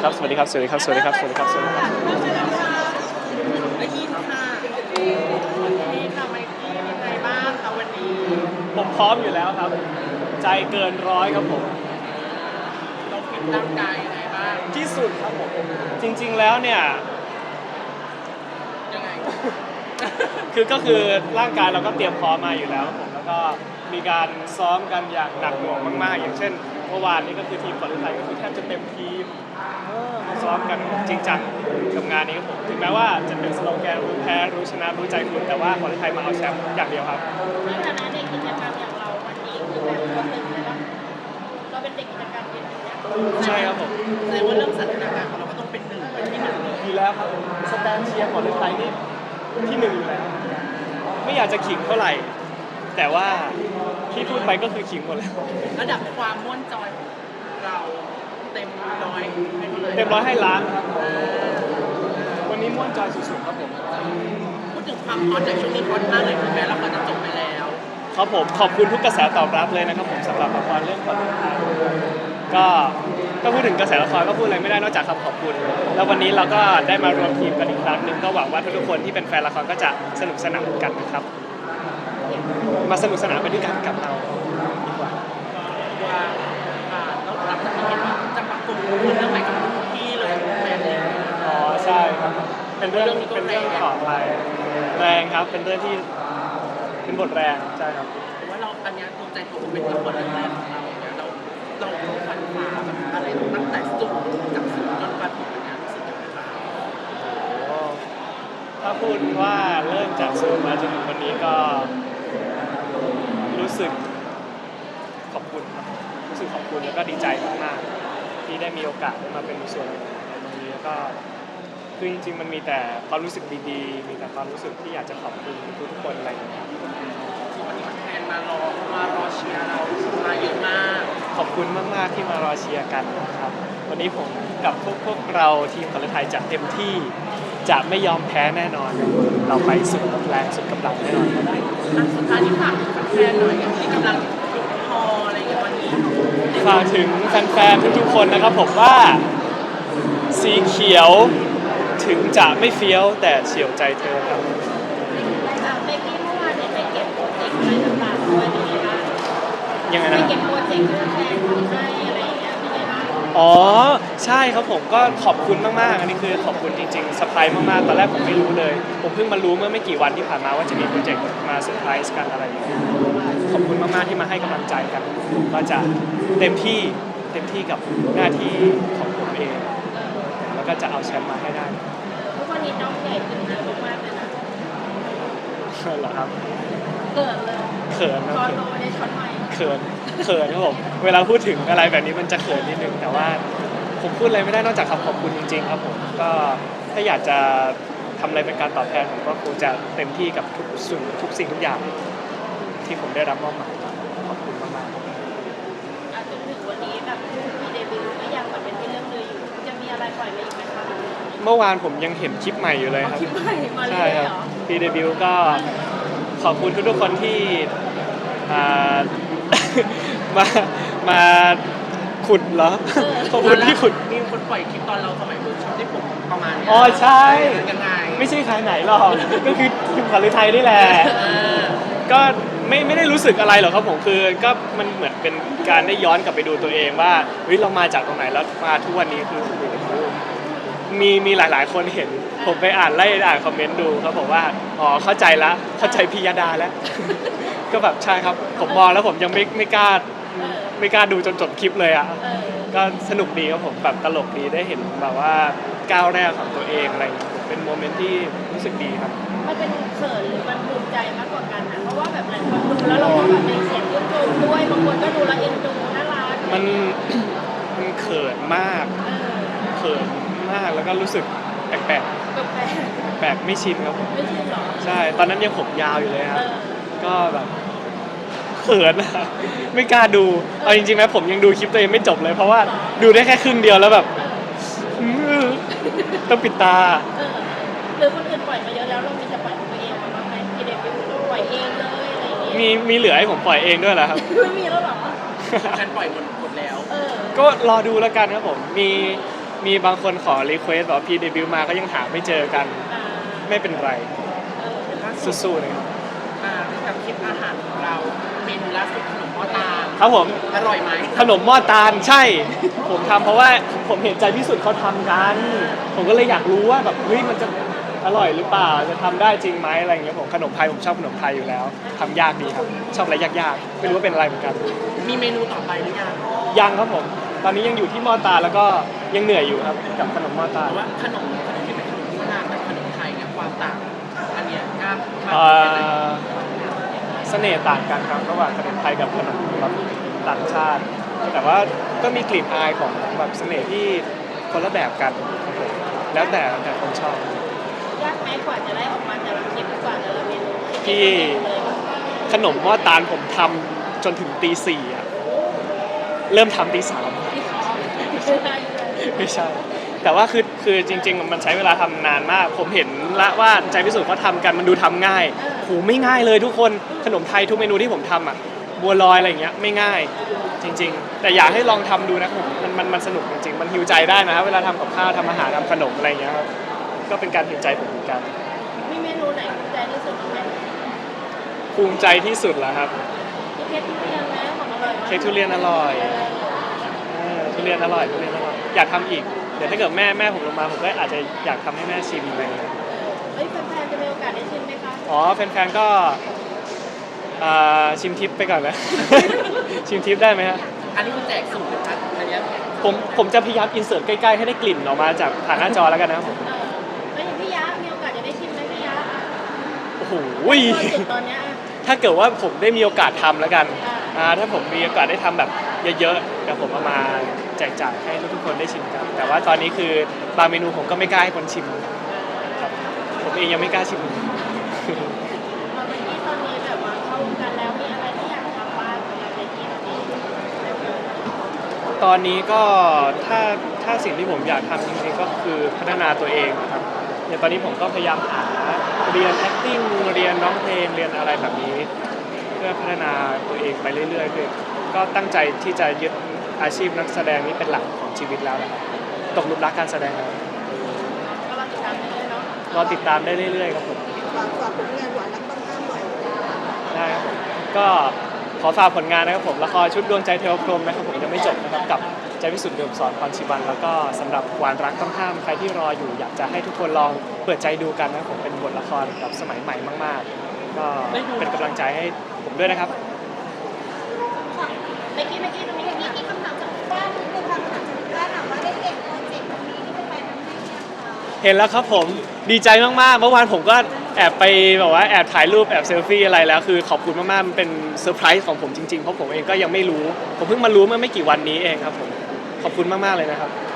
ครับสวัสดีครับสวัสดีครับสวัสดีครับสวัสดีครับสวัสดีครับได้ยินค่ะนี่ค่ะไมค์กี้เป็นไงบ้างคะวันนี้ผมพร้อมอยู่แล้วครับใจเกินร้อยครับผมเราฟิตร่างกายยังไงบ้างที่สุดครับผมจริงๆแล้วเนี่ยยังไงคือก็คือร่างกายเราก็เตรียมพร้อมมาอยู่แล้วครับผมแล้วก็มีการซ้อมกันอย่างหนักหน่วงมากๆอย่างเช่นเมื่อวานนี้ก็คือทีมบอลไทยก็คือแทบจะเต็มทีมมาซ้อมกันจริงจังกับงานนี้ครับผมถึงแม้ว่าจะเป็นสโลแกนรู้แพ้รู้ชนะรู้ใจคุณแต่ว่าบอลไทยมาเอาแชมป์อย่างเดียวครับในฐานะเด็กกิจกรรมอย่างเราวันนี้คือแบบเราตึงเลยว่าเราเป็นเด็กกิจกรรมเรียนอย่างเงี้ยใช่ครับผมแสดงว่าเรื่องสถานการณ์ของเราก็ต้องเป็นหนึ่งเป็นที่หนึ่งเลยอยู่แล้วครับสแตนเชียร์บอลไทยนี่ที่หนึ่งอยู่แล้วไม่อยากจะขิงเท่าไหร่แต่ว่าที่พูดไปก็คือขิงหมดแล้วระดับความม่วนจอยของเราเต็มร้อยให้เท่าไหร่เต็มร้อยให้ล้านครับวันนี้ม่วนจอยสุดๆครับผมพูดถึงความฮอตจากช่วงนี้ฮอตมากเลยถึงแม้ละครจะจบไปแล้วครับผมขอบคุณทุกกระแสตอบรับเลยนะครับผมสำหรับละครเรื่องคนไทยก็พูดถึงกระแสละครก็พูดอะไรไม่ได้นอกจากคำขอบคุณ แล้ววันนี้เราก็ได้มารวมทีมกันอีกครั้งหนึ่งก็หวังว่าทุกๆคนที่เป็นแฟนละครก็จะสนุกสนานกันนะครับมาสนุกสนานไปด้วยกันกับเราดีกว่าว่าต้องหลังจากที่เห็นว่าจะประกบคู่เรื่องใหม่กับพี่เลยแมนเลยอ๋อใช่ครับเป็นเรื่องของอะไรแรงครับเป็นเรื่องที่เป็นบทแรงใช่ครับแต่ว่าเราอันเนี้ยภูมิใจตัวเป็นละครเรื่องแรกของเราเนี่ยเราฟันฝ่าแบบอะไรตั้งแต่ศูนย์จากศูนย์จนมาถึงวันเนี้ยรู้สึกยังไงบ้างโอ้ถ้าพูดว่าเริ่มจากศูนย์มาจนถึงวันนี้ก็รู้สึกขอบคุณครับรู้สึกขอบคุณแล้วก็ดีใจมากๆที่ได้มีโอกาสได้มาเป็นส่วนหนึ่งในตรงนี้แล้วก็คือจริงๆมันมีแต่ความรู้สึกดีๆมีแต่ความรู้สึกที่อยากจะขอบคุณทุกๆคนอะไรอย่างเงี้ยที่วันนี้มันแฟนมารอเชียร์เรามาเยอะมากขอบคุณมากๆที่มารอเชียร์กันนะครับวันนี้ผมกับพวกเราทีมคนไทยจะเต็มที่จะไม่ยอมแพ้แน่นอน เราไปสุดแรงสุดกำลังแน่นอนครับสุดท้ายที่ฝากถึงแฟนๆหน่อยที่กำลังอยู่ฮออะไรอย่างเงี้ยวันนี้ฝากถึงแฟนๆทุกๆคนนะครับผมว่าสีเขียวถึงจะไม่เฟี้ยวแต่เฉียวใจเธอครับเบกกี้เมื่อวานเนี่ยไปเก็บโปรเจกต์อะไรต่างๆด้วยเป็นไงบ้างยังไงไปนะเก็บโปรเจกต์เรื่องแทนคนให้อะไรอย่างเงี้ยเป็นไงบ้างอ๋อใช่ครับผมก็ขอบคุณมากๆอันนี้คือขอบคุณจริงๆเซอร์ไพรส์มากๆตอนแรกผมไม่รู้เลยผมเพิ่งมารู้เมื่อไม่กี่วันที่ผ่านมาว่าจะมีโปรเจกต์มาเซอร์ไพรส์กันอะไรอย่างเงี้ยขอบคุณมากๆที่มาให้กำลังใจกันก็จะเต็มที่กับหน้าที่ของผมเอง แล้วก็จะเอาแชมป์มาให้ได้ทุกวันนี้น้องใหญ่ขึ้นนะมากๆเลยนะเหรอครับเกิดเลยเขินนะช็อตโตได้ช็อตใหม่เขินครับผมเวลาพูดถึงอะไรแบบนี้มันจะเขินนิดนึงแต่ว่าผมพูดอะไรไม่ได้นอกจากคำขอบคุณจริงๆครับผมก็ถ้าอยากจะทำอะไรเป็นการตอบแทนผมก็คงจะเต็มที่กับทุกสิ่งทุกอย่างที่ผมได้รับมอบหมายขอบคุณมากๆจนถึงวันนี้แบบมีเดบิวต์ก็ยังเหมือนเป็นที่เรื่องลืออยู่จะมีอะไรปล่อยมาอีกไหมคะเมื่อวานผมยังเห็นคลิปใหม่อยู่เลยครับคลิปใหม่มาเลใช่ยครัเหบรอพีเดบิวก็ขอบคุณทุกๆคนที่อ่า มาขุดเหรอขอบคุณที่ขุดมีคนปล่อยคลิปตอนเราสมัยเวิร์กช็อปที่ผมประมาณเนี้ยอ๋อใช่ยังไงไม่ใช่ใครไหนหรอกก็คือทีมขวัญฤทัยนี่แหละเออก็ไม่ได้รู้สึกอะไรหรอกครับผมคือก็มันเหมือนเป็นการได้ย้อนกลับไปดูตัวเองว่าเฮ้ยเรามาจากตรงไหนแล้วมาทุกวันนี้คือโอ้โหมีหลายๆคนเห็นผมไปอ่านคอมเมนต์ดูเขาบอกว่าอ๋อเข้าใจพิยดาแล้ว ก็แบบใช่ครับผมมองแล้วผมยังไม่กล้าดูจนจบคลิปเลยอ่ะเออก็สนุกดีครับผมแบบตลกดีได้เห็นแบบว่าก้าวแรกของตัวเองอะไรอย่างเงี้ยเป็นโมเมนต์ที่รู้สึกดีครับมันเป็นเขินหรือมันภูมิใจมากกว่ากันนะเพราะว่าแบบหลายคนดูแล้วเราก็แบบในเสียงชื่นชมด้วยบางคนก็ดูแล้วเอ็นดูน่ารักมัน มันเขินมากเออเขินมากแล้วก็รู้สึกแปลกแปลกๆแปลกไม่ชินครับผมไม่ใช่หรอใช่ตอนนั้นยังผมยาวอยู่เลยคเอรับอก็แบบเขินอะ ไม่กล้าดูเอาจริงๆนะผมยังดูคลิปตัวเองไม่จบเลยเพราะว่าดูได้แค่ครึ่งเดียวแล้วแบบต้องปิดตาเออหรือคนอื่นปล่อยมาเยอะแล้วเรามีจะปล่อยของตัวเองมาบ้างไหมที่เดบิวต์เราปล่อยเองเลยอะไรอย่างเงี้ยมีเหลือให้ผมปล่อยเองด้วยเหรอครับไม่มีแล้วเหรอฉันปล่อยหมดแล้วเออก็รอดูแล้วกันครับผมมีมีบางคนขอรีเควสบอกว่าพี่เดบิวต์มาก็ยังหาไม่เจอกันอ่าไม่เป็นไรล่าสุดสู้ๆนะครับกับคลิปอาหารของเราเมนูล่าสุดขนมหม้อตาลครับผมอร่อยไหมขนมหม้อตาลใช่ ผมทำเพราะว่าผมเห็นใจพิสุทธิ์เขาทำกัน ผมก็เลยอยากรู้ว่าแบบเฮ้ยมันจะอร่อยหรือเปล่าจะทำได้จริงไหมอะไรอย่างเงี้ยผมขนมไทยผมชอบขนมไทยอยู่แล้วทำยากดีครับชอบอะไรยากๆไม่รู้ว่าเป็นอะไรเหมือนกันมีเมนูต่อไปหรือยังยังครับผม ตอนนี้ยังอยู่ที่หม้อตาลแล้วก็ยังเหนื่อยอยู่ครับกับขนมหม้อตาลแต่ว่าขนมที่เป็นขนมโบราณกับขนมไทยเนี่ยความต่างอันเนี้ยกล้ามากเอ่แค่ไหนอเสน่ห์ต่างกันครับระหว่างขนมไทยกับขนมแบบต่างชาติ แต่ว่าก็มีกลิ่นอายของแบบเสน่ห์ที่คนละแบบกันครับผมแล้วแต่คนชอบยากไหมกว่าจะได้ออกมาแต่ละคลิปกว่าแต่ละเมนูพี่ ขนมหม้อตาลผมทำจนถึงตี 4อ่ะเริ่มทำตี 3 ที่เขาไม่ใช่ แต่ว่าคือจริงๆ มันใช้เวลาทำนานมาก ผมเห็นละว่าใจพิสูจน์เขาทำกันมันดูทำง่ายโหไม่ง่ายเลยทุกคนขนมไทยทุกเมนูที่ผมทำอ่ะบัวลอยอะไรอย่างเงี้ยไม่ง่ายจริง ๆ แต่อยากให้ลองทำดูนะครับผมมันสนุกจริงๆมันหิวใจได้นะครับเวลาทำกับข้าวทำอาหารทำขนมอะไรอย่างเงี้ยครับก็เป็นการหิวใจผมเหมือนกันมีเมนูไหนภูมิใจที่สุดไหมภูมิใจที่สุดแล้วครับที่เค้กทุเรียนนะของอร่อยมากเค้กทุเรียนอร่อยทุเรียนอร่อยทุเรียนอร่อยอยากทำอีกเดี๋ยวถ้าเกิดแม่ผมลงมาผมก็อาจจะอยากทำให้แม่ชิมอะไรอย่างเงี้ยเฮ้ยแฟนๆจะมีโอกาสได้ชิมไหมคะอ๋อแฟนๆก็ชิมทิปไปก่อนนะ ชิมทิปได้ไหมฮะอันนี้คือแจกสูตรนะครับอันเนี้ยผมจะพยายามอินเสิร์ตใกล้ๆให้ได้กลิ่นออกมาจากผ่านหน้าจอแล้วกันนะครับผมแล้วอย่างพี่ยะมีโอกาสจะได้ชิมไหมพี่ยะโอ้โหจุดตอนเนี้ยถ้าเกิดว่าผมได้มีโอกาสทำแล้วกันอ่าถ้าผมมีโอกาสได้ทำแบบเยอะๆเดี๋ยวผมเอามาแจกจ่ายให้ทุกๆคนได้ชิมกันแต่ว่าตอนนี้คือบางเมนูผมก็ไม่กล้าให้คนชิมครับผมเองยังไม่กล้าชิมเมื่อกี้ตอนนี้แบบว่าเข้าวงการแล้วมีอะไรที่อยากทำบ้างสำหรับในทีมนี้ตอนนี้ก็ถ้าสิ่งที่ผมอยากทำจริงๆก็คือพัฒนาตัวเองนะครับอย่างตอนนี้ผมก็พยายามหาเรียน acting เรียนร้องเพลงเรียนอะไรแบบนี้ เพื่อพัฒนาตัวเองไปเรื่อยๆคือก็ตั้งใจที่จะยึดอาชีพนักแสดงนี้เป็นหลักของชีวิตแล้วนะครับตกหลุมรักการแสดงแล้วก็เราติดตามได้เลยเนาะรอติดตามได้เรื่อยๆครับผมฝากผลงานหวานรักต้องห้ามหน่อยได้ครับผมก็ขอฝากผลงานนะครับผมละครชุดดวงใจเทวพรหมนะครับผมยังไม่จบนะครับกับใจพิสุทธิ์เดิมสอนพรชีวันแล้วก็สำหรับหวานรักต้องห้ามใครที่รออยู่อยากจะให้ทุกคนลองเปิดใจดูกันนะครับผมเป็นบทละครแบบสมัยใหม่มากๆ ก็เป็นกำลังใจให้ผมด้วยนะครับเมื่อกี้ตรงนี้มีคำถามจากบ้านนิดนึงค่ะถามว่าได้เห็นโปรเจกต์ตรงนี้ที่เป็นแฟนน้ำให้ยังคะเห็นแล้วครับผมดีใจมากๆเมื่อวานผมก็แอบไปแบบว่าแอบถ่ายรูปแอบเซลฟี่อะไรแล้วคือขอบคุณมากๆมันเป็นเซอร์ไพรส์ของผมจริงๆเพราะผมเองก็ยังไม่รู้ผมเพิ่งมารู้เมื่อไม่กี่วันนี้เองครับผมขอบคุณมากๆเลยนะครับ